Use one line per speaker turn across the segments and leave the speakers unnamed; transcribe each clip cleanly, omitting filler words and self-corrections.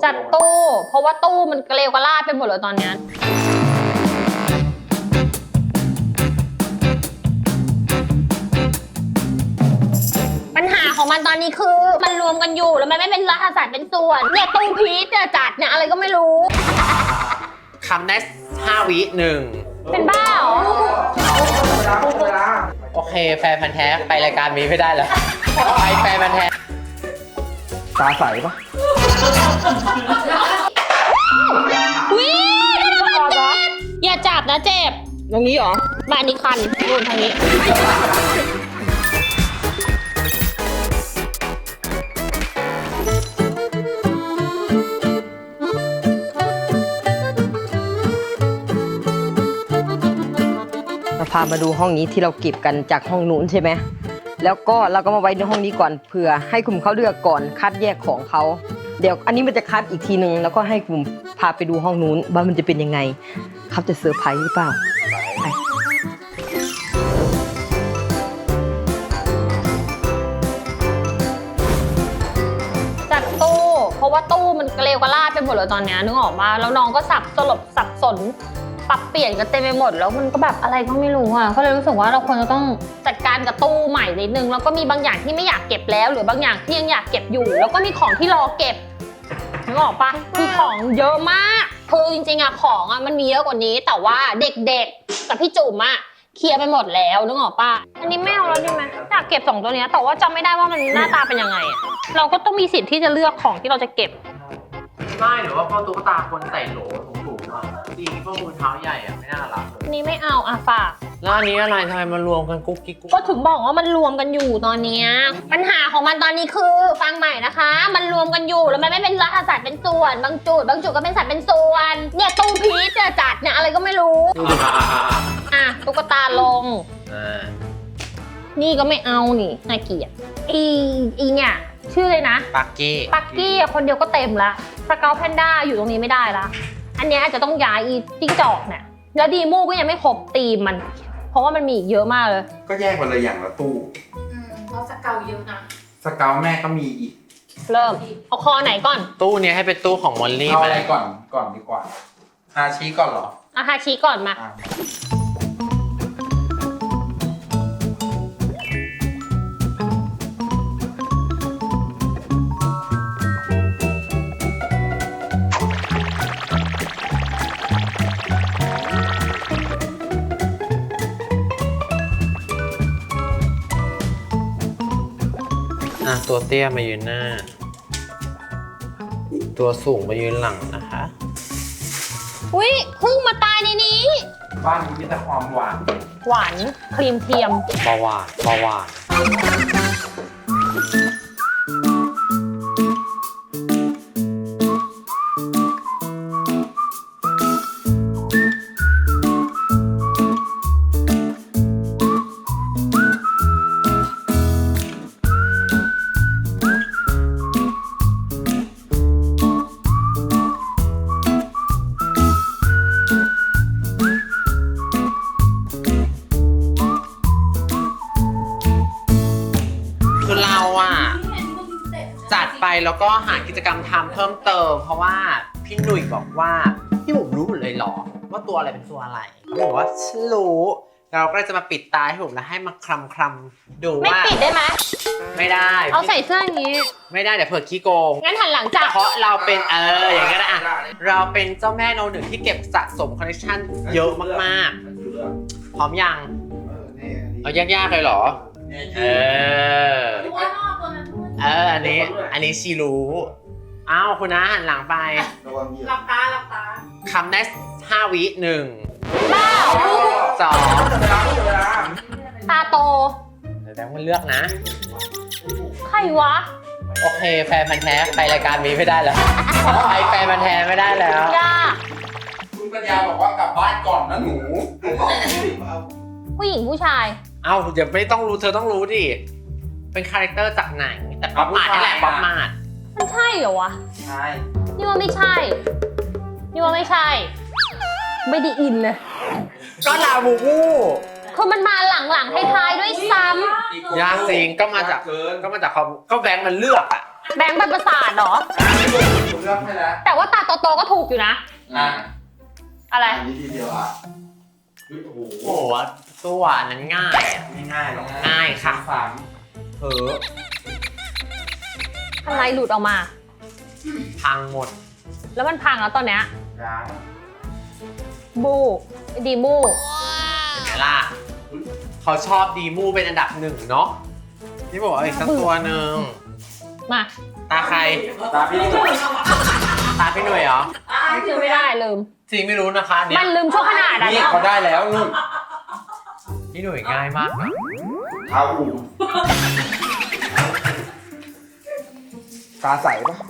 จัดตู้เพราะว่าตู้มันเกลียวกระลาดไปหมดเลยตอนนี้ปัญหาของมันตอนนี้คือมันรวมกันอยู่แล้วมันไม่เป็นรัฐศาสตร์เป็นส่วนเนี่ยตู้พีชเนี่ยจัดเนี่ยอะไรก็ไม่รู้
คำได้5 วิ1
เป็นบ้าเหรอ
โอเคแฟนพันธุ์แท้ไปรายการนี้ไม่ได้แล้วไปแฟนพันธุ์แท้
ตาใสปะ
วิ่งอย่าจับนะเจ็บ
ตรงนี้เหรอ
บ้านนี้คันนู่นทางนี้
พามาดูห้องนี้ที่เราเก็บกันจากห้องนู้นใช่ไหมแล้วก็เราก็มาไว้ในห้องนี้ก่อนเผื่อให้กลุ่มเขาเลือกก่อนคัดแยกของเขาเดี๋ยวอันนี้มันจะคัดอีกทีนึงแล้วก็ให้กลุ่มพาไปดูห้องนู้นว่ามันจะเป็นยังไงเขาจะเซอร์ไพรส์หรือเปล่า
จัดตู้เพราะว่าตู้มันเกลียวกระลาดไปหมดเลยตอนนี้นึกออกมาแล้วน้องก็สับสนปรับเปลี่ยนกันเต็มไปหมดแล้วมันก็แบบอะไรก็ไม่รู้อ่ะก็เลยรู้สึกว่าเราควรจะต้องจัดการกับตู้ใหม่นิดนึงแล้วก็มีบางอย่างที่ไม่อยากเก็บแล้วหรือบางอย่างที่ยังอยากเก็บอยู่แล้วก็มีของที่รอเก็บนึกออกปะคือของเยอะมากคือจริงๆอะของอะมันมีเยอะกว่านี้แต่ว่าเด็กๆกับพี่จุ๋มอะเคลียร์ไปหมดแล้วนึกออกปะอันนี้ไม่เอาแล้วดีไหมอยากเก็บ2ตัวนี้แต่ว่าจำไม่ได้ว่ามันหน้าตาเป็นยังไงอะเราก็ต้องมีสิทธิ์ที่จะเลือกของที่เราจะเก็บ
ไม่หรือว่าพอตุ๊กตาคนใส่โหลถุงๆอ่ะจริงพวกมือเท้าใหญ่อ่ะไม่น่ารักเลย
นี่ไม่เอาอะฝาก
แล้วอันนี้อะไรทำไมมารวมกันกุ๊กกิ๊ก
ก็ถึงบอกว่ามันรวมกันอยู่ตอนนี้ปัญหาของมันตอนนี้คือฟังใหม่นะคะมันรวมกันอยู่แล้วมันไม่เป็นรัฐศาสตร์เป็นส่วนบางจุดก็เป็นสัตว์เป็นส่วนเนี่ยตู้พีชเนี่ยจัดเนี่ยอะไรก็ไม่รู้อ่ะตุ๊กตาลงนี่ก็ไม่เอานี่น่าเกลียดอีเนี่ยชื่อเลยนะ
ปักกี้
คนเดียวก็เต็มละสเกลแพนด้าอยู่ตรงนี้ไม่ได้ละอันนี้อาจจะต้องย้ายอีจิ้งจอกเนี่ยแล้วดีมูก็ยังไม่ครบตีมมันเพราะว่ามันมีอีกเยอะมากเลย
ก็แยกมาเลยอย่างละตู้
เพราะสเกลเยอะนะ
สเกลแม่ก็มีอีก
เริ่มเอาคอไหนก่อน
ตู้นี้ให้เป็นตู้ของมอลลี่
เอาอะไรก่อนดีกว่าฮาชิก่อนเหรอ
ฮาชิก่อนมา
ตัวเตี้ยมายืนหน้าตัวสูงมายืนหลังนะคะ
อุ๊ยพึ่งมาตายในนี้
บ้านนี้มีแต่ความหว
านครีมเทียม
เบาหวานจัดไปแล้วก็หากิจกรรมทำเพิ่มเติมเพราะว่าพี่หนุ่ยบอกว่าพี่ผมรู้หมดเลยหรอว่าตัวอะไรเป็นตัวอะไรเขาบอกว่าฉันรู้เราก็เลยจะมาปิดตาให้ผมแล้วให้มาคลำดูว่า
ไม่ปิดได้ไหม
ไม่ได้
เอาใส่เสื้ออย่างนี้
ไม่ได้เดี๋ยวเผื่อขี้โกง
งั้นหันหลังจับ
เพราะเราเป็นอย่างเงี้ยนะเราเป็นเจ้าแม่โนหนึ่งที่เก็บสะสมคอลเลคชันเยอะมากๆพร้อมยังเอายากๆเลยหรออันนี้ชีรู้อ้าวคุณนะหันหลังไป
หลับตา
คำได้5 วิ1
บ้า
2
ตาโต
เดี๋ยวแบงค์มันเลือกนะ
ใครวะ
โอเคแฟนพันธุ์แท้ไปรายการนี้ไม่ได้แล้วไปแฟนพันธุ์แท้ไม่ได้แล้ว
คุณปัญญาบอกว่ากลับบ้านก่อนนะหนู
ผู้หญิงผู้ชาย
เอ้าอย่าไม่ต้องรู้เธอต้องรู้ดิเป็นคาแรคเตอร์จากหนังแต่ป๊อปมาดนี่แหละป๊อปมาด
มันใช่เหรอวะ
ใช่
นี่ว่าไม่ใช่ไม่ได้อินเลย
ก็ลาบูบู
คือมันมาหลังท้ายๆด้วยซ้ำ
ยากจริงก็มาจากก็แบงค์มันเลือกอ่ะ
แบงค์ใบประสาทเหรอ
ผมเลือกให้แล้ว
แต่ว่าตาโตๆก็ถูกอยู่นะ
อ่ะ
อะไร
อันนี้ทีเดียวอ่ะเฮ้ยโอ้โห
โอ้โหตัวอันนั้นง่ายอะ
ไม่ง่ายหรอก
ง่ายค่ะ
สามเผลอ
อะไรหลุดออกมา
พังหมด
แล้วมันพังแล้วตอนเนี้ย
ร้าน
บูดีมู
เห็นไหมล่ะเขาชอบดีมูเป็นอันดับหนึ่งเนาะนี่บอกว่าอีกสักตัวหนึ่ง
มา
ตาใคร
ตาพี่นี่
ตาพี่หน่วยเหรอ
ซื้อไม่ได้ลืม
จริงไม่รู้นะคะเนี่
มั
ย
นลืมชั่วขนาดอะ
นี่
เนี่ย
เขาได้แล้วนุ่น
พี่หน่วยง่ายมากนะ
เท้าอู่ตาใสปะ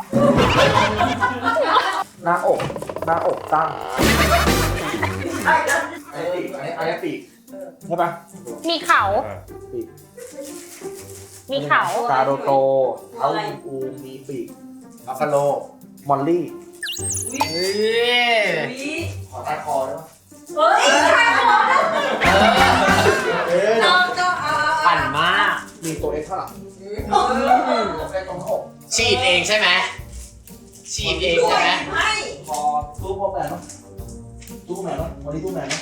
หน้าอกตั้งอันนี้ปีกใช่ปะ
มีเขา
ปีก
มีเขา
ตาโตๆเท้าอูมีปีกบัฟฟาโลมอลลี่
เฮ้ย
ขอใต้คอได้ปะ
เฮ้ยใช่เหรอ
เออ
ก็เอา
ปั่นมาก
มีตัวเอ็กซ์ข้างหลังใส่ตรงหน้าอก
ฉีดเองใช่ไหมฉีดเองใช่ไหม
ไม่
คอตู้พวกแมนปะตู้แมนปะวันนี้ตู้แมนปะ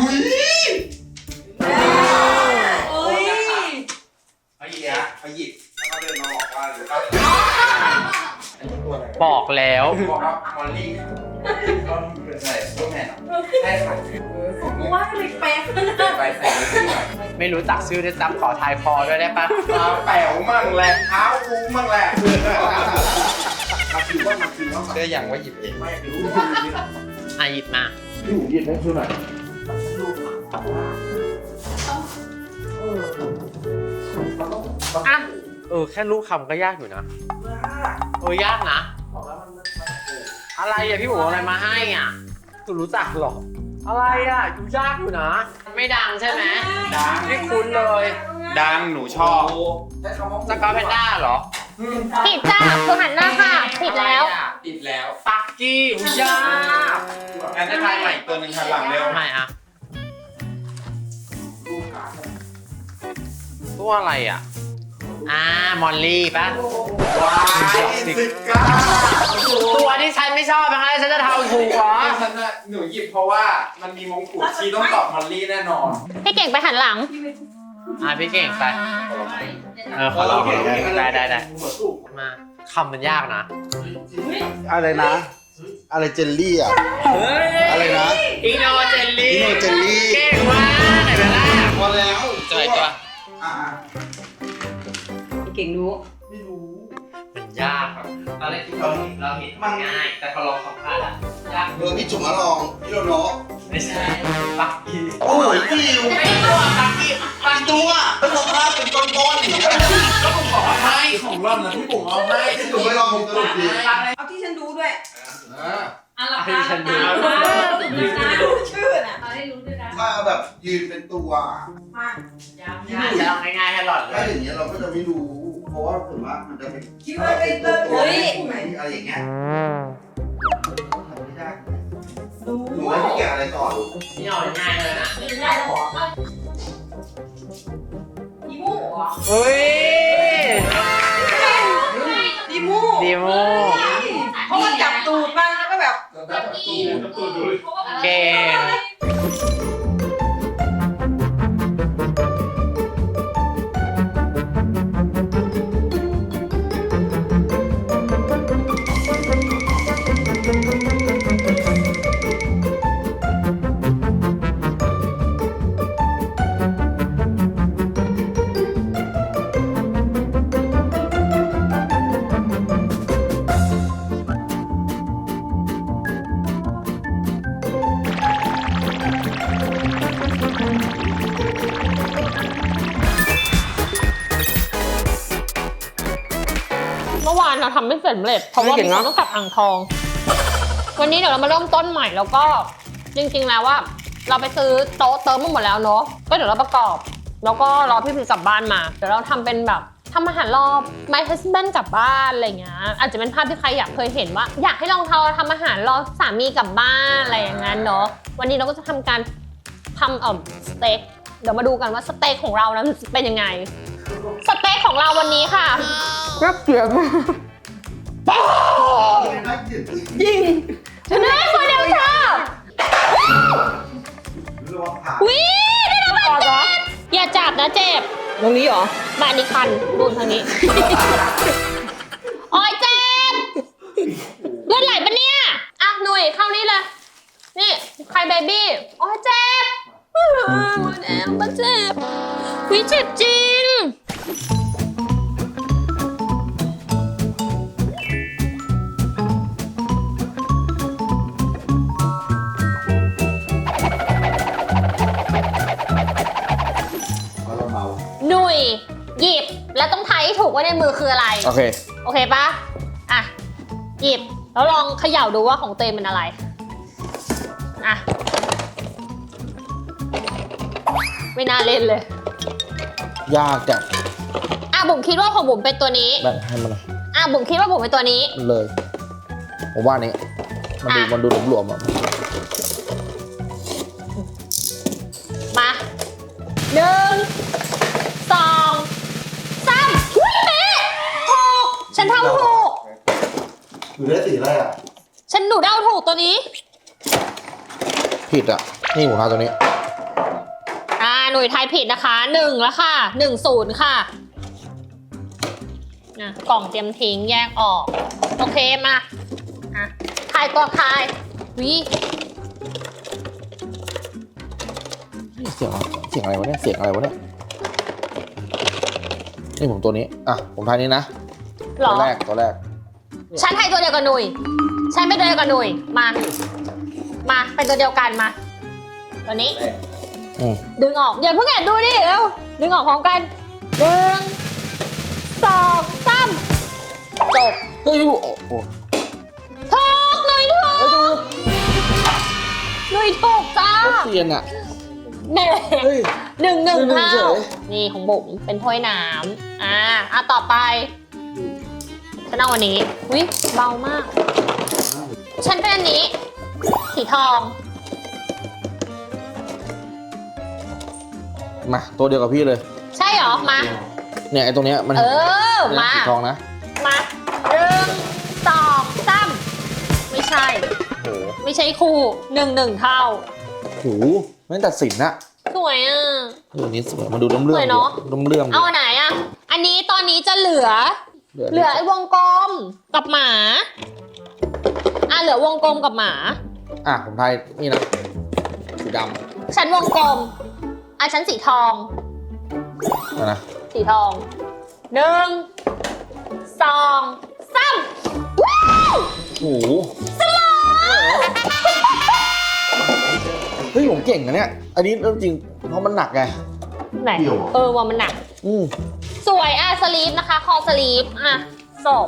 เฮ้ย
เขาหยิบเขาหยิบแล้วก็เดินมาบอกว่าหรือว่าอันนี้ตัวอะไร
บอกแล้ว
บอกว่ามอลลี่ก็เป็นอะไรตู้แมนใช่ค่ะ
กูว่าทำไมแปลกขนาด
ไปใส่ไม่ได้
ไม่รู้จักชื่อด้วยซ้ำขอทายคอด้วยได้ปะ
เท้าแป๋วมั่งแหละเท้าอูมั่งแหละมาคิวว่าเชื่ออย่างว่าหยิบเองไม่รู้
อ่ะหยิบมา
พี่หูหยิบให้ช่วยหน่อย
อ่ะ
แค่รูปคำก็ยากอยู่นะยากนะ อะไรอ่ะพี่หมูเอาอะไรมาให้อ่ะคุณรู้จักหรอ อะไรอ่ะดูยากอยู่นะ ไม่ดังใช่ไหม
ดัง
ไม่คุ้นเลย
ดังหนูชอบใช้คำว่า
สกอร์แพนด้าเหรอ
ผิดจ้าคือหันหน้าค่ะ ผิดแล้ว
ติดแล้ว
ปักกี้อุ๊ยยาก
งั้นจะทายใหม่ตัวหนึ่งหันหลังเร็ว
ไม่อ่ะ
ลูกขา
ตัวอะไรอ่ะมอลลี่ปะ
ว้ายสิบเก้า
ตัวที่ฉันไม่ชอบนะคะฉันจะทำถูกเหรอ
ฉันน่ะหนูหยิบเพราะว่ามันมีมงกุฎชีต้องตอบมอลลี่แน่นอน
พี่เก่งไปหันหลัง
พี่เก่งไปขอลองได้มาคำมันยากนะ
อะไรนะ อะไรเจลลี่อ่ะ อะไรนะ
อิโนเจลลี่
อิโนเจลลี่
เก่งมากไหนเวลา
พอแล้ว
เจอตัว
อ่า
เก่งรู้
ไม่รู้
มันยากครับตอนแรกที่เราเห็นมันง่าย แต่พอลองสัมภาษณ์อะยาก
พี่จุ๋มมาลอง พี่โดนล้อ
ไม่ใช่ปักกี้
โอ้ยพี่อยู่
ไม่ตัวปักกี้
ปันตัวแล้วสภาพเป็นก้อนๆอย่างเงี้ย
ก็ผมบอกว่าให้
ของร่อนนะพี่ปุ๋งเอาให้
พี่จุ๋มไม่ลองตลกดี
เอาที่ฉันดูด้วย
อ่า
หลับ
ให้
ตา
ฉันดู
ดูชื่อน่ะเอาให้รู้ด้วยนะ
ถ้าเอาแบบยืนเป็นตัว
มา
จะลองง่ายๆให้หลอดเล
ถ้าย อย่างเงี้ยเราก็จะไม่รู้ เพราะว่าส่วนมากมันจะเป็น
คิดว่าเป็นตัว
ตัว
เฮ้ย
อะไรอย่างเงี้ยทำไม่ได้
ดู
หนูให้พี่แกะอะไรต่อลูก
นี่เอาง่ายเลยนะ
ดีมูเหรอ
เฮ้ย
ดีมู
ดีโม
เพราะว่าจับตูดมันแล้วก็แบบ
แล้วแบบตู้ดู
เก่ง
เมื่อวานเราทำไม่เสร็จเพราะว่ามีคนต้องกลับอ่างทอง วันนี้เดี๋ยวเรามาเริ่มต้นใหม่แล้วก็จริงๆแล้วว่าเราไปซื้อโต๊ะเติมมาหมดแล้วเนาะก็เดี๋ยวเราประกอบ แล้วก็รอพี่พิมกลับบ้านมา เดี๋ยวเราทำเป็นแบบทำอาหารรอบ my husband กลับบ้านอะไรเงี้ยอาจจะเป็นภาพที่ใครอยากเคยเห็นว่า อยากให้ลองทำอาหารรอสามีกลับบ้านอะไรอย่างนั้นเนาะวันนี้เราก็จะทำการทำสเต็กเดี๋ยวมาดูกันว่าสเต็กของเรานั้นเป็นยังไงสเต็กของเราวันนี้ค่ะ
น่าเกลียดมาก
ยิงชนะคนเดียวค่ะ
ระวังขา
วิได้รับบาดเจ็บอย่าจับนะเจ็บ
ตรงนี้เหรอ
บ้านนี้คันดูทางนี้ โอ้ยเจ็บเลือดไหลปะเนี่ยอ่ะหนุ่ยเข้านี่เลย นี่ใครเบบี้โอ้ยเจ็บมันเจ็บวิเจ็บจริง
เอาเราเมา
หนุ่ยหยิบแล้วต้องทายให้ถูกว่าในมือคืออะไร
โอเค
โอเคปะอ่ะ หยิบ แล้วลองเขย่าดูว่าของเตยมันอะไร อ่ะ ไม่น่าเล่นเลย
ยากจัด
อ่ะบุ๋มคิดว่าของบุ๋มเป็นตัวนี้
แบ่งให้มันหน่อย
อ่ะบุ๋มคิดว่าบุ๋มเป็นตัวนี้
เลย ผมว่านี้มันดูหลวมๆอ่ะ
มาหนึ่งสองสามอุ้ยเป๊ะถูกฉันทำถูก
อยู่ได้สีอะไรอ่ะ
ฉันหนูเดาถูกตัวนี้
ผิดอ่ะ นี่ผมทาตัวนี้
หน่วยทายผิดนะคะ1แล้วค่ะ10ค่ะกล่องเตรียมทิ้งแยกออก โอเคมาทายตัวทายวิ
เสียงอะไรวะเนี่ย เสียงอะไรวะเนี่ย นี่ผมตัวนี้ อ่ะ ผมทายนี้นะ
หร
ตั
อ
วแรก
ฉันทายตัวเดียวกับหนุ่ยฉันไม่ตัวเดียวกับหนุ่ยมาเป็นตัวเดียวกันมา ตัวนี้
อืม
ดึงออกอย่าเพิ่งแอบดูดิเร็วดึงออกพร้อมกัน1 2 3จบ
เฮ้ยโอ้โห
ถูกหนุ่ยถูกหนุ่ยถูกจ้า
เซียนอ่ะ
แหม่
เฮ้ย
หนึ่ง
เฉ
เท่าย นี่ของบุ๋มเป็นถ้วยน้ำต่อไปฉันเอาวันนี้วิเบามาก ฉันเป็นอันนี้ สีทอง
มา ตัวเดียวกับพี่เลย
ใช่เหรอมา
เนี่ยไอ้ตรงเนี้ยมัน
มา
สีทองนะ
มา1 2 3ไม่ใช่
โอ้โห
ไม่ใช่คู่1 เท่า
โหไม่ตัดสินนะ
สวยอ่ะ
ตัวนี้สวยมาดูเลื่อม
สวยเนอะ
เลื่อม
เอาอันไหนอ่ะ อันนี้ตอนนี้จะเหลือไอ้วงกลมกับหมาเหลือวงกลมกับหมา
อ่ะผมทายนี่นะสีด
ฉันวงกลมฉันสีทอง
ำนะ
สีทอง1 2 3ว้าว
โอ้โหเฮ้ยผมเก่งนะเนี่ย อันนี้เรื่องจริงเพราะมันหนักไง
ไหนว่ามันหนัก
อืม
สวยสลีฟนะคะ คอสลีฟจบ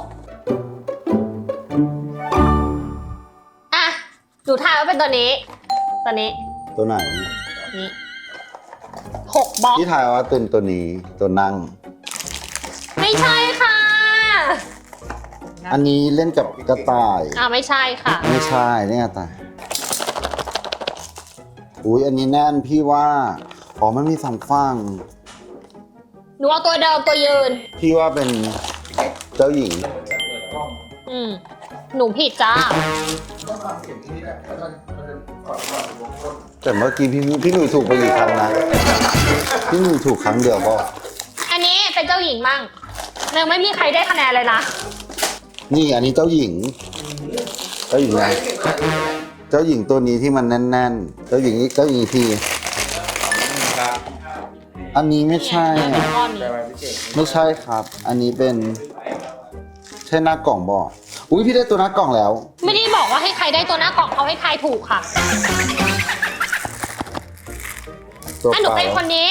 หนูทายว่าเป็นตัวนี้ ตัวนี้
ตัวไหน
นี่6 บล็อก
ที่ทายว่าเป็นตัวนี้ตัวนั่ง
ไม่ใช่ค่ะ
อันนี้เล่นกับกระต่าย
ไม่ใช่ค่ะ
ไม่ใช่เนี่ยกระต่ายอุ้ยอันนี้แน่นพี่ว่าอ๋อมันมีสองฝั่ง
หนูเอาตัวเดิมตัวยืน
พี่ว่าเป็นเจ้าหญิง
หนูผิดจ้า
แต่เมื่อกี้พี่หนุ่ยถูกไปกี่ครั้งนะ พี่หนุ่ยถูกครั้งเดียวก็
อันนี้เป็นเจ้าหญิงมั่งยังไม่มีใครได้คะแนนเลยนะ
นี่อันนี้เจ้าหญิง เจ้าหญิงไงเจ้าหญิงตัวนี้ที่มันแน่นๆ เจ้าหญิงพี่อันนี้ไม่ใช่อะ
ก้อนนี้
ไม่ใช่ครับ อันนี้เป็นใช่หน้ากล่องบอกอุ้ยพี่ได้ตัวหน้ากล่องแล้ว
ไม่ได้บอกว่าให้ใครได้ตัวหน้ากล่องเขาให้ทายถูกค่ะ
ตัว
หนู
เปล่า
เป็นคนนี้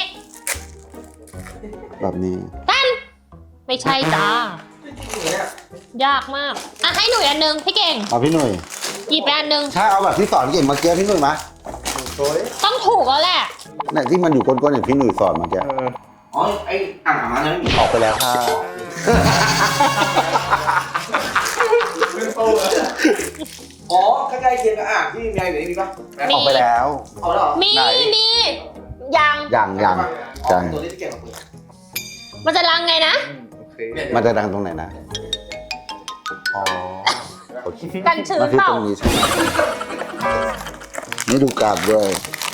แบบนี้
ตั้นไม่ใช่จ้า ยากมาก ให้หนูอันนึงพี่เก่ง
เอาพี่หนุ่ย
หยิบไปอันนึง
ถ้าเอาแบบที่สอนเก่งเมื่อกี้พี่หนุ่ยมา
ต้องถูกแล้วแหละ
เนี่ยที่มันอยู่ก้นๆอย่างพี่หนุ่ยสอนเมื่อกี้
อ๋อไอ้อ่างอาบน้ำนั้นไม่มี
ออกไปแล้วค่ะ
อ๋อใกล้ๆเคียงกับอ่างที่มีอะไรอยู่ในนี้ปะ
มี
ออกไปแล้ว
เอาแล้วเหรอ
มี
ไหน
ยัง
ยัง
อ๋อตัวนี้ที่เก่งกว่าปืน
มันจะลังไงนะ
โอเค
มันจะดังตรงไหนนะอ๋อโอเค
กันชื้น
มันคือ
เปล่า
ตรงนี้ใช่ไหมนี่ดูกราบด้วย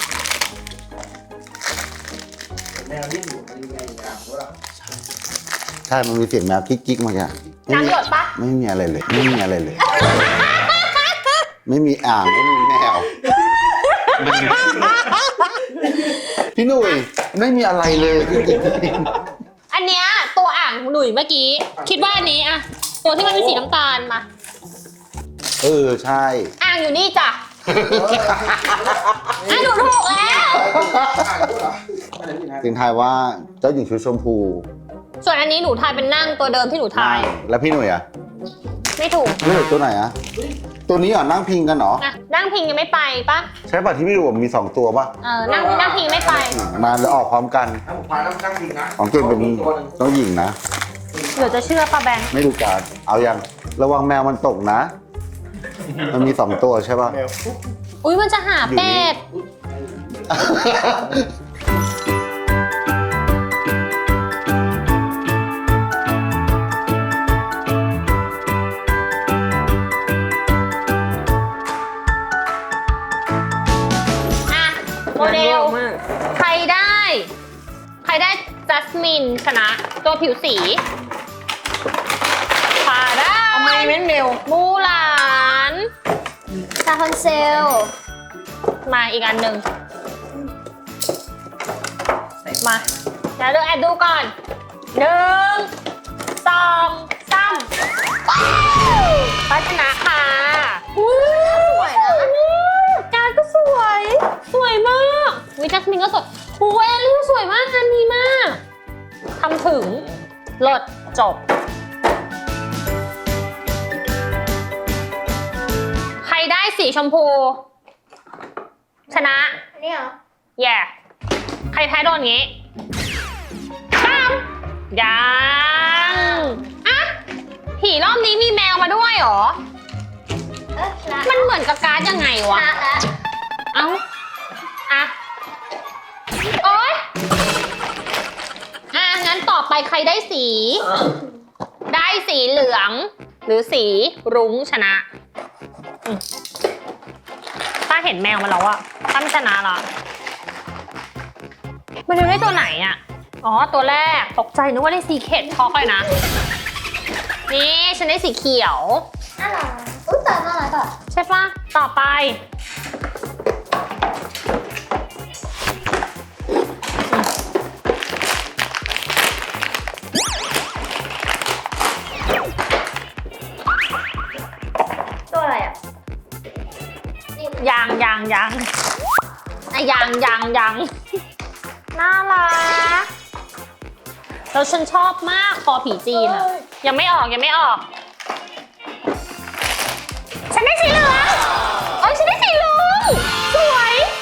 แมวที่อยู่ในอ่างด้วย
ใช่ มันมีเสียงแมวกิ๊กๆมาแก
น้ำหยดปะ
ไม่มีอะไรเลย ไม่มีอะไรเลย ไม่มีอ่าง ไม่มีแมว พี่หนุ่ยไม่มีอะไรเลยจริง
อันเนี้ยตัวอ่างหนุ่ยเมื่อกี้ คิดว่าอันนี้อะตัวที่มันเป็นสีน้ำตาลมา
ๆใช่
อ่างอยู่นี่จ้ะอ่ะหนูถูกแล้ว
อ่างด้วยเหรออะไรนี่นะ
ถึงทายว่าเจ้าหญิงชุดชมพู
ส่วนอันนี้หนูทายเป็นนั่งตัวเดิมที่หนูทาย
แล้วพี่หนุ่ยอ่ะ
ไม่ถูก
พี่หนุ่ยตัวไหนอ่ะ ตัวนี้เหรอนั่งพิงกันเหรอ
นะนั่งพิงยังไม่ไปปะ
ใช่ป่ะที่พี่หนุ่ยบอกมี2ตัวป่ะ
นั่งพิงไม่ไป
มาแล้วออกพร้อมกัน
ถ้าผมพาแล้วนั่งจริงนะ
ของเก่งเป็น
ตัวหนึ่ง
เจ้าหญิงนะ
เดี๋ยวจะเชื่อปะแบงค์
ไม่ดูการเอายังระวังแมวมันตกนะ มันมี2ตัวใช่ป่ะ
แมวปุ๊บ
อุ้ยมันจะหาเป็ด อ่ะ โมเดล
มาก
ใครได้จัสมินชนะ ตัวผิวสีผ่าได้
ทำไมเม้นเร็ว
มูหลานซาฮอนเซล มาอีกอันหนึ่งมาเดี๋ยวเลือกแอดดูก่อน 1 2 3พัชนะค่ะสวยนะการก็สวย สวยมากวิจัสมินก็สวยหูเอลลี่สวยมากงานดีมากทำถึงเลิศจบ ใครได้สีชมพู ชนะ
นี่เหรอ
แย่ใครแพ้โดนงี้ปั๊มยังอะผีรอบนี้มีแมวมาด้วยเหรอ มันเหมือนกับการ์ดยังไงวะ เอ้าอะโอ๊ยงั้นต่อไปใครได้สี ได้สีเหลือง หรือสีรุ้งชนะป้าเห็นแมวมาแล้วอะป้าไม่ชนะหรอมันจะได้ตัวไหนอะอ๋อ ตัวแรกตกใจนึกว่าได้สีเข็ดช็อกเลยนะ นี่ฉันได้สีเขียว
น่ารักอุ้ยแต่น่ารักอ่ะ
ใช่ปะต่อไป
ตัวอะไรอ่ะ
ยังอะยังน่ารักแล้วฉันชอบมากคอผีจีนอะยังไม่ออก ฉันได้สีเหลืองเอ้ยฉันได้สีเหลืองสวย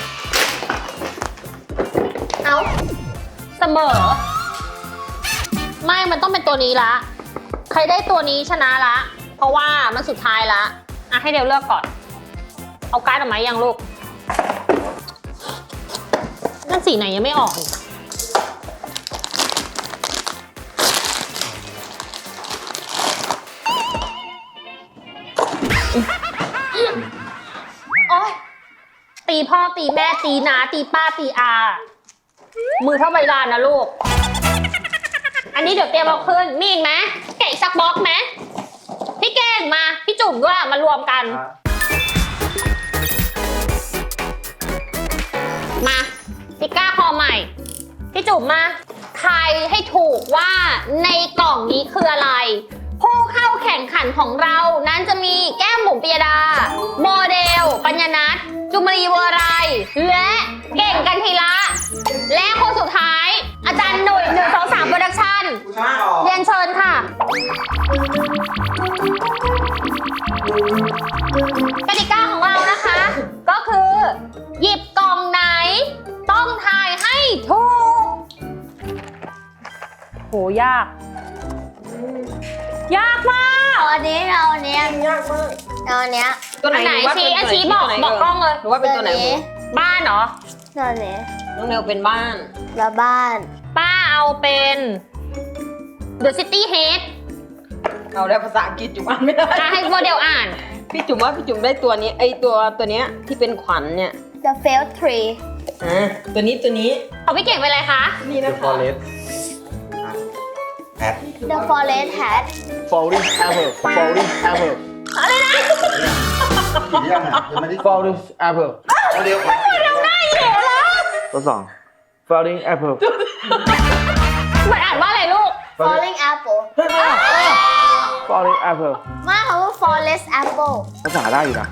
เอ้า
เสมอ ไม่มันต้องเป็นตัวนี้ละ ใครได้ตัวนี้ชนะละ เพราะว่ามันสุดท้ายละอ่ะให้เดี๋ยวเลือกก่อน เอาการ์ดออกมายังลูก นั่นสีไหนยังไม่ออกอีกโอ๊ยตีพ่อตีแม่ตีน้าตีป้าตีอา มือเท่าใบลานนะลูก อันนี้เดี๋ยวเตรียมเอาขึ้น มีอีกไหมแกะอีกสักบล็อกไหมพี่เก่งมา พี่จุ่มด้วยมารวมกัน มาพิก้าคอใหม่ พี่จุ๋มมาทายให้ถูกว่าในกล่องนี้คืออะไร ผู้เข้าแข่งขันของเรานั้นจะมีแก้มบุ๋มปิยดา โมเดล ปัญญนัทจุมรีเวอร์ไรและเก่งกันทีละ และคนสุดท้าย อาจารย์หนุ่ย123 โปรดักชั่น เรียนเชิญค่ะ กติกาของเรานะคะ ก็คือ หยิบกล่องไหน ต้องทายให้ถูก โห ยาก ยากมาก
เอาอันนี้เอาอันนี้ยากมากเอาอันเนี้ย
ตัวไหน
อันไหน
ว่า
ชี้
เป็นตัวไหน
ชี้บอก
ตัวไหน
บอกกล้องเลย
หรือว่าเป็นตัวไหน
บ้านเหรอ
ตัวนี้
น้องเนวเป็นบ้าน
แล้วบ้าน
ป้าเอาเป็น The City Head
เอาแล้วภาษาอังกฤษจุ๋มอ่านไม่ได้
ให้โมเดลอ่าน
พี่จุ๋มว่าพี่จุ๋มได้ตัวนี้ไอตัวเนี้ยที่เป็นขวัญเนี่ย
The failed tree
ตัวนี้
เอาพี่เก่งไปเลยคะ
นี่นะคะ
The forest hat
Falling apple. Falling apple.
กี่ยังอ่ะยังไม่ได้
Falling apple.
เอาเร็วกว่า
ตัวสอง Falling apple.
มันอ่านว่าอะไรลูก
falling apple
Falling apple.
มาคำว่า forest apple
ภาษาได้อยู่นะ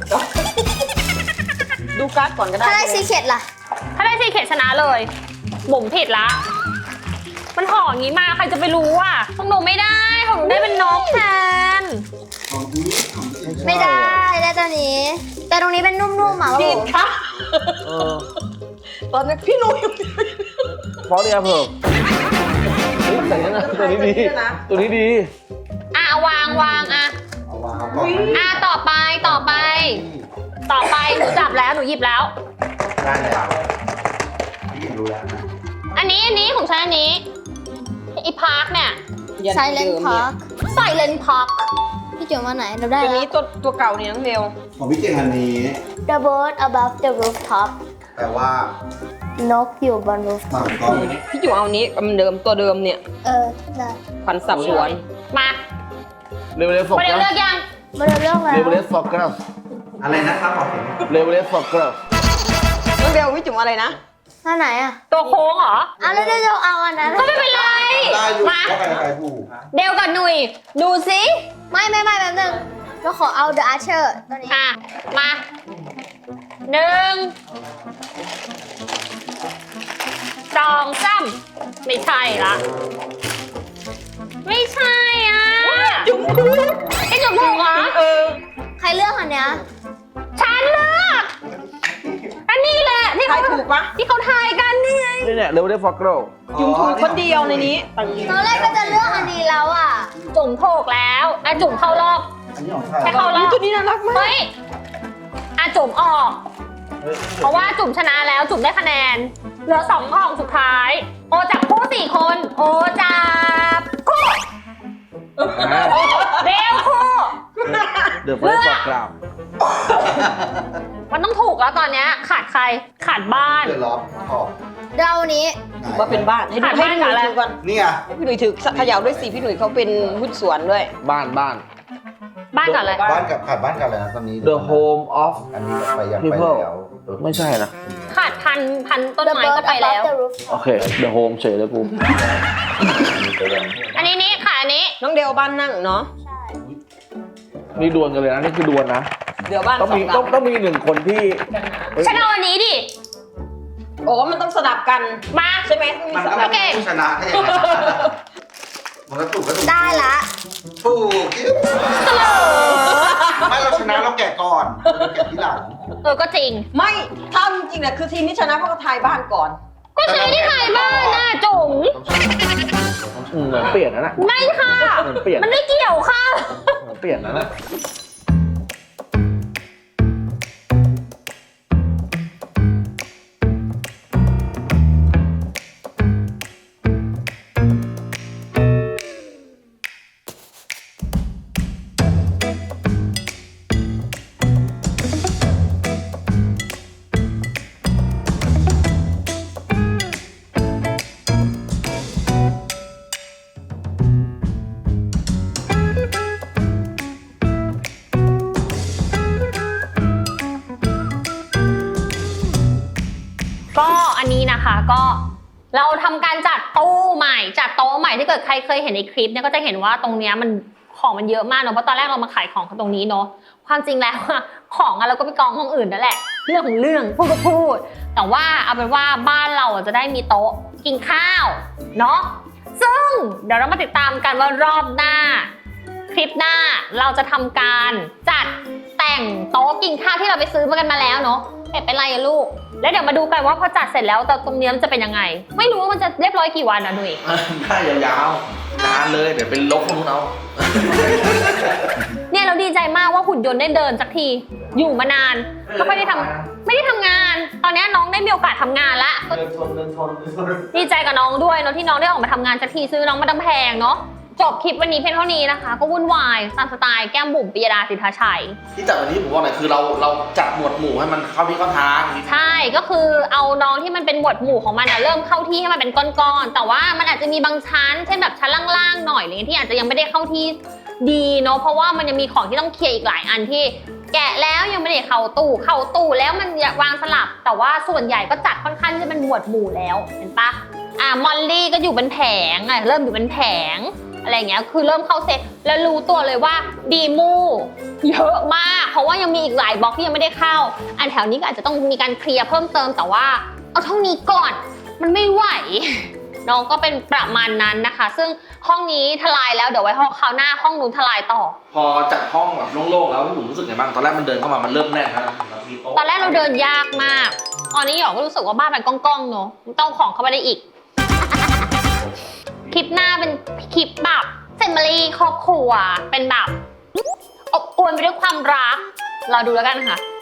ดูการ์ดก่อนก็ได้
ถ้าได้ซีเคดล่ะ
ถ้าได้ซีเคทชนะเลยบุ๋มผิดละ มันห่ออย่างนี้มาใครจะไปรู้อ่ะของหนูไม่ได้ของหนูได้เป็นนกแทน
ไม่ได้ได้ตัวนี้ แต่ตรงนี้เป็นนุ่มๆอ่ะ
ผิดค่ะ
เออ
ตอนนี้พี่หนุ่ย
Falling apple. แต่นี่นะตัวนี้ดี ตัวนี้ดี
อ่ะวางอ่ะ
เอาวางเอาก่อน
อ่ะต่อไปหนูจับแล้วหนูหยิบแล้ว
ได้แล้วพี่รู้แล้วนะ
อันนี้ของฉันอันนี้อีพาร์คเนี่ย
ไซเลนพาร์ค
ไซเลนพาร์ค
พี่จุ๋มมาไหนเราได้
ตัว
แล้ว
นี้ตัวเก่านี่น้องเบล
ของพี่เก่งอันนี้
The bird above the rooftop
แต่ว่าน
กอยู่บน
มา
rooftop
ก่อน
พี่จุ๋มเอานี้มันตัวเดิมเนี่ย
ได้
ขวัญสับสวน
มา
เรเวลฟอก
โมเดล
นะ
เลือกยัง
มาเริ่มเรื่องแล้ว
เรเวลฟอกนะ
อะไรนะครับขอเห็น
เรเวลฟอกนะ
น้องเบลพี่จุ๋มอะไรนะ
ท่าไหนอ่ะ
ตัวโค้งเหรอ
แล้วเราเอาอันนั้น
ก็ไม่เป็นไร
ได้อยู่
มา
ว่าใครถูก
เดวกับหนุ่ยดูสิ
ไม่แป๊บนึงเราขอเอา The Archer ตัวนี้
อ่ะมาหนึ่งสองสามไม่ใช่ละ ไม่ใช่อ่ะจุ๋มถูกไอ้จุ๋มถูกเหรอ
ใครเลือกอันเนี้ย
ฉันเลือกอันนี้แหละที่
ใคร
เขา
ถูกปะ
ที่เขาทายกันนี่ไง
นี่เนี่ยเรเวลฟอกนะ
จุ๋มถูกคนเดียวในนี้
ตอนแรกก็จะเลือกอันนี้แล้วอ่ะ
จุ๋มถูกแล้วอ่ะจุ๋มเข้ารอบ
อันนี้ของใคร
แค่เข้ารอบ
ตัวนี้น่ารักมาก
เฮ้ยอ่ะจุ๋มออก เพราะว่าจุ๋มชนะแล้วจุ๋มได้คะแนน เหลือ2กล่องสุดท้าย โอจับคู่4 คน โอจับคู่เร็วคู่
เดอะเฟสฟอกนะ
มันต้องถูกแล้วตอนเนี้ยขาดใครขาดบ้าน
เดือดร้อนขอบ
เรานี้
ว่าเป็นบ้านให้ดู
ขาด
ให้
บ้าน
พี่ห
กับอะไร
นุ่ยถือก่อน
นี่อ่ะ
ให้พี่หนุ่ยถือเขย่าด้วยสิพี่หนุ่ยเขาเป็นหุ้นส่วนด้วย
บ้าน
บ้านกับอะไร
บ้านกับขาดบ้านกับอะไรนะตอนนี้
The home of
อันนี้ไปยังไป
people
แล้ว
ไม่ใช่นะ
ขาดพันต้น
The
ไม้
bird
ก็ไปแล้ว
above the rooftop
โอเค The home เฉยเลยกู
อันนี้ค่ะอันนี้
น้องเดลบ้านนั่งเนาะ
นี่ดวลกันเลยนะ นี่คือดวลนะ
เดี๋ยวบ้าน
ต้องมี
สหลั
ต้องมีหนึ่งคนที่
ฉันเอาอันนี้ดิ
โอ้มันต้องสลับกัน
มา
ใช่ไหม
มัน
ส
ก็
ลับ
เป็นผู้ชนะให้ยังไงมันก็ถูกก็ถูก
ได้ละ
ถูกไม่เราชนะเราแกะก่อนเราแกะที่หลัง
ก็จริง
ไม่ถ้าจริงๆเนี่ยคือทีมที่ชนะเพราะเขาทายบ้านก่อน
ก็ฉันไม่ได้ถ่ายบ้านนะจุ๋ม
เหมือนเปลี่ยนนะ
ไม่ค่ะ
เหมือนเปลี่ยน
มันไม่เกี่ยวค่ะ
เหมือนเปลี่ยนนะ
ก็อันนี้นะคะก็เราทำการจัดตู้ใหม่จัดโต๊ะใหม่ถ้าเกิดใครเคยเห็นในคลิปเนี่ยก็จะเห็นว่าตรงเนี้ยมันของมันเยอะมากเนาะเพราะตอนแรกเรามาขายของกันตรงนี้เนาะความจริงแล้วอะของอะเราก็ไปกองห้องอื่นนั่นแหละเรื่องของเรื่องพูดก็พูดแต่ว่าเอาเป็นว่าบ้านเราจะได้มีโต๊ะกินข้าวเนาะซึ่งเดี๋ยวเรามาติดตามกันว่ารอบหน้า คลิปหน้าเราจะทำการจัดแต่งโต๊ะกินข้าวที่เราไปซื้อมากันมาแล้วเนาะเป็นไรอะลูกแล้วเดี๋ยวมาดูกันว่าพอจัดเสร็จแล้วตรงนี้มันจะเป็นยังไง ไม่รู้ว่ามันจะเรียบร้อยกี่วันนะดุย
ได้ยาวๆนานเลย เดี๋ยวเป็นลบของเรา
เนี่ยเราดีใจมากว่าหุ่นยนต์ได้เดินสักทีอยู่มานานก็ไม่ได้ทำงาน ตอนนี้น้องได้มีโอกาสทำงานละก็ดีใจกับน้องด้วยเนาะที่น้องได้ออกมาทำงานสักทีซื้อน้องมาตั้งแพงเนาะจบคลิปวันนี้เพียงเท่านี้นะคะ ก็วุ่นวายตามสไตล์แก้มบุ๋มปิยดาสิทธาชัย
ที่จัดวันนี้ผมบอกหน่อยคือเราจัดหมวดหมู่ให้มันเข้าที่เข้าทาง
ใช่ก็คือเอาน้องที่มันเป็นหมวดหมู่ของมันเริ่มเข้าที่ให้มันเป็นก้อนๆแต่ว่ามันอาจจะมีบางชั้นเช่นแบบชั้นล่างๆหน่อยอะไรเงี้ยที่อาจจะยังไม่ได้เข้าที่ดีเนาะเพราะว่ามันยังมีของที่ต้องเคลียร์อีกหลายอันที่แกะแล้วยังไม่ได้เข้าตู้แล้วมันวางสลับแต่ว่าส่วนใหญ่ก็จัดค่อนข้างที่จะเป็นหมวดหมู่แล้วเห็นปะมอลลี่ก็อยู่เป็นแผงเริ่มอยู่เป็นแผงอะไรเงี้ยคือเริ่มเข้าเซตแล้วรู้ตัวเลยว่าดีมูเยอะมากเพราะว่ายังมีอีกหลายบล็อกที่ยังไม่ได้เข้าอันแถวนี้ก็อาจจะต้องมีการเคลียร์เพิ่มเติมแต่ว่าเอาเท่านี้ก่อนมันไม่ไหวน้องก็เป็นประมาณนั้นนะคะซึ่งห้องนี้ทลายแล้วเดี๋ยวไว้ห้องคราวหน้าห้องนู้นทลายต่อ
พอจัดห้องแบบโล่งๆแล้วพี่บุ๋มรู้สึกไงบ้างตอนแรกมันเดินเข้ามามันเริ่มแน่นนะมีโต๊ะ
ตอนแรกเราเดินยากมากตอนนี้หยอกก็รู้สึกว่าบ้านมันก้องๆเนอะต้องของเข้าไปได้อีก คลิปหน้าเป็นคลิปแบบเซนมารีครอบครัวเป็นแบบอบอวลไปด้วยความรักรอดูแล้วกันค่ะ